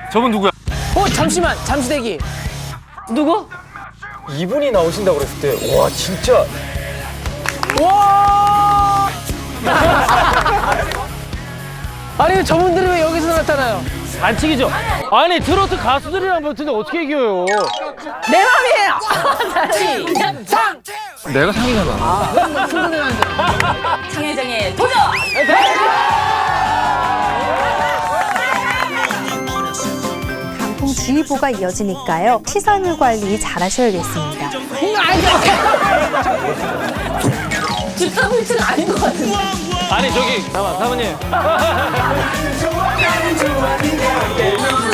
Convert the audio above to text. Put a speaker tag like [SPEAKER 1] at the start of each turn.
[SPEAKER 1] 저분 누구야?
[SPEAKER 2] 잠시만, 잠시 대기. 누구?
[SPEAKER 3] 이분이 나오신다고 그랬을 때, 와, 진짜.
[SPEAKER 2] 와! 아니, 저분들이 왜 여기서 나타나요?
[SPEAKER 1] 반칙이죠. 아니 트로트 가수들이랑 붙는데 어떻게 이겨요?
[SPEAKER 2] 내 맘이에요! 시작!
[SPEAKER 1] 내가 상이잖아.
[SPEAKER 4] 장혜정의 도전!
[SPEAKER 5] 강풍주의보가 이어지니까요. 시설물 관리 잘 하셔야겠습니다.
[SPEAKER 4] 집사물치는 아닌 것 같은데.
[SPEAKER 1] 아니 저기 사모님.